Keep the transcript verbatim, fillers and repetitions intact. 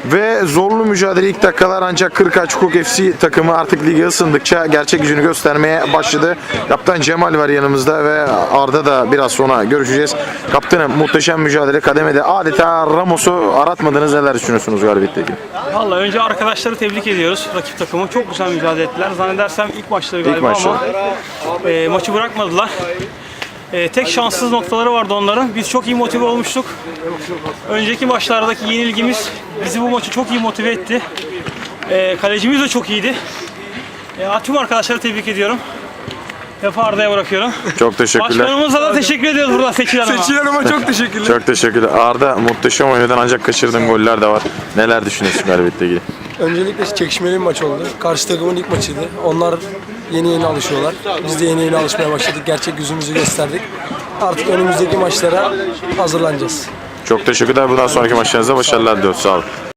Ve zorlu mücadele ilk dakikalar ancak Kırkağaç Hukuk F C takımı artık lige ısındıkça gerçek gücünü göstermeye başladı. Kaptan Cemal var yanımızda ve Arda da biraz sonra görüşeceğiz. Kaptanım, muhteşem mücadele kademede adeta Ramos'u aratmadınız, neler düşünüyorsunuz galibiyetle ilgili? Vallahi önce arkadaşları tebrik ediyoruz. Rakip takımı çok güzel mücadele ettiler. Zannedersem ilk maçları galiba İlk maçları. ama e, maçı bırakmadılar. E, tek şanssız noktaları vardı onların. Biz çok iyi motive olmuştuk. Önceki maçlardaki yenilgimiz bizi bu maçı çok iyi motive etti. E, kalecimiz de çok iyiydi. E, tüm arkadaşları tebrik ediyorum. Ve Arda'ya bırakıyorum. Çok teşekkürler. Başkanımıza da teşekkür ediyoruz buradan, Seçil Hanım'a. Seçil Hanım'a çok teşekkürler. Çok teşekkürler. Arda, muhteşem oynadan ancak kaçırdığın goller de var. Neler düşünüyorsun galibiyetle ilgili? Öncelikle çekişmeli bir maç oldu. Karşı takımın ilk maçıydı. Onlar yeni yeni alışıyorlar. Biz de yeni yeni alışmaya başladık. Gerçek yüzümüzü gösterdik. Artık önümüzdeki maçlara hazırlanacağız. Çok teşekkürler. Bundan sonraki maçlarınızda başarılar diliyoruz. Sağ olun.